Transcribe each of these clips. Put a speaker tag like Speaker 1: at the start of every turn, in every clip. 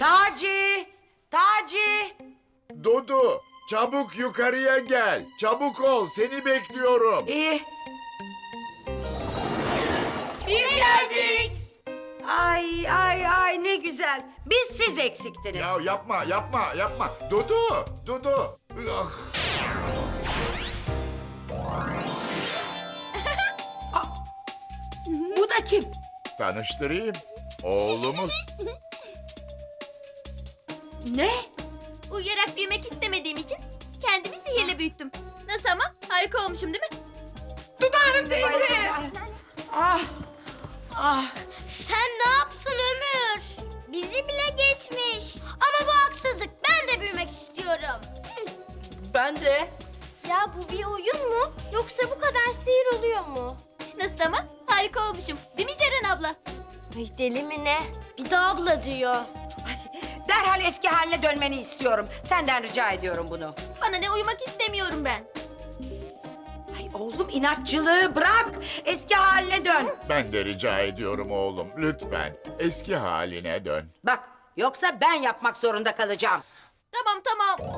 Speaker 1: Taci! Taci!
Speaker 2: Dudu, çabuk yukarıya gel. Çabuk ol, seni bekliyorum.
Speaker 1: İyi.
Speaker 3: Biz geldik.
Speaker 1: Ay ne güzel. Biz siz eksiktiniz.
Speaker 2: Ya yapma. Dudu. Ah.
Speaker 1: Bu da kim?
Speaker 2: Tanıştırayım. Oğlumuz.
Speaker 1: Ne?
Speaker 3: Uyuyarak büyümek istemediğim için kendimi sihirle büyüttüm. Nasıl ama? Harika olmuşum değil mi?
Speaker 4: Dudağım teyze.
Speaker 1: Ah,
Speaker 5: Sen ne yapsın Ömür? Bizi bile geçmiş. Ama bu haksızlık. Ben de büyümek istiyorum.
Speaker 1: ben de.
Speaker 5: Ya bu bir oyun mu? Yoksa bu kadar sihir oluyor mu?
Speaker 3: Nasıl ama? Harika olmuşum. Değil mi Ceren abla?
Speaker 5: Ay deli mi ne? Bir de abla diyor.
Speaker 1: Derhal eski haline dönmeni istiyorum. Senden rica ediyorum bunu.
Speaker 3: Bana ne uyumak istemiyorum ben.
Speaker 1: Ay oğlum inatçılığı bırak. Eski haline dön.
Speaker 2: Ben de rica ediyorum oğlum. Lütfen eski haline dön.
Speaker 1: Bak yoksa ben yapmak zorunda kalacağım.
Speaker 3: Tamam.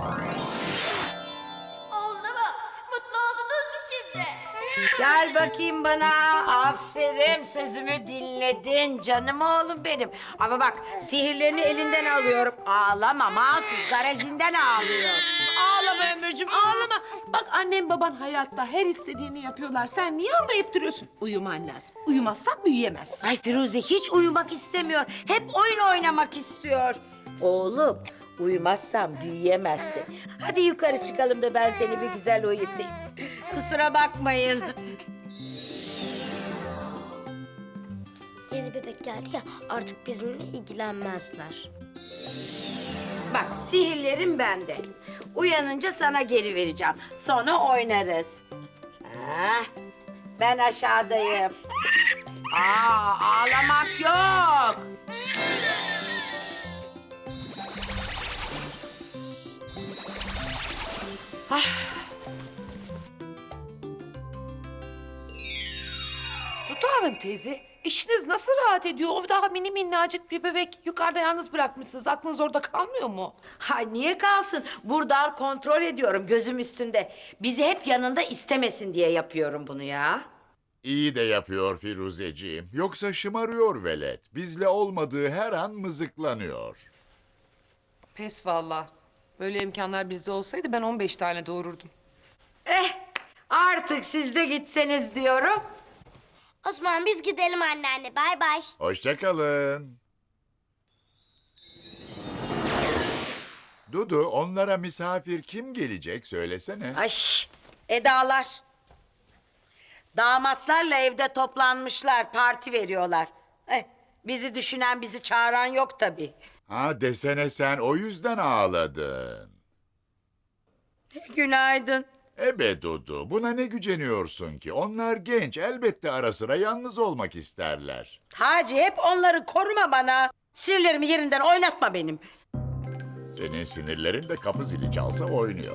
Speaker 3: Oldu mu? Mutlu oldunuz mu şimdi?
Speaker 1: Gel bakayım bana. Aferin sözümü dinledin canım oğlum benim. Ama bak sihirlerini elinden alıyorum. Ağlama mahsus garazinden ağlıyor.
Speaker 4: Ağlama Ömürcüğüm ağlama. Bak annem baban hayatta her istediğini yapıyorlar. Sen niye ağlayıp duruyorsun? Uyuman lazım. Uyumazsan büyüyemezsin.
Speaker 1: Ay Firuze hiç uyumak istemiyor. Hep oyun oynamak istiyor. Oğlum uyumazsan büyüyemezsin. Hadi yukarı çıkalım da ben seni bir güzel uyutayım. Kusura bakmayın.
Speaker 5: Yeni bebek geldi ya artık bizimle ilgilenmezler.
Speaker 1: Bak sihirlerim bende. Uyanınca sana geri vereceğim. Sonra oynarız. Ben aşağıdayım. Ağlamak yok.
Speaker 4: Dudağım teyze işiniz nasıl rahat ediyor? O daha mini minnacık bir bebek yukarıda yalnız bırakmışsınız. Aklınız orada kalmıyor mu?
Speaker 1: Hay niye kalsın? Burada kontrol ediyorum gözüm üstünde. Bizi hep yanında istemesin diye yapıyorum bunu ya.
Speaker 2: İyi de yapıyor Firuzeciğim. Yoksa şımarıyor velet. Bizle olmadığı her an mızıklanıyor.
Speaker 4: Pes vallahi. Böyle imkanlar bizde olsaydı ben 15 tane doğururdum.
Speaker 1: Artık siz de gitseniz diyorum.
Speaker 5: O zaman biz gidelim anneanne. Bay bay.
Speaker 2: Hoşça kalın. Dudu, onlara misafir kim gelecek söylesene.
Speaker 1: Ay Edalar. Damatlarla evde toplanmışlar, parti veriyorlar. Bizi düşünen, bizi çağıran yok tabii.
Speaker 2: Ha desene sen o yüzden ağladın.
Speaker 1: Günaydın.
Speaker 2: Ebe Dudu, buna ne güceniyorsun ki? Onlar genç, elbette ara sıra yalnız olmak isterler.
Speaker 1: Taci hep onları koruma bana. Sirlerimi yerinden oynatma benim.
Speaker 2: Senin sinirlerin de kapı zili çalsa oynuyor.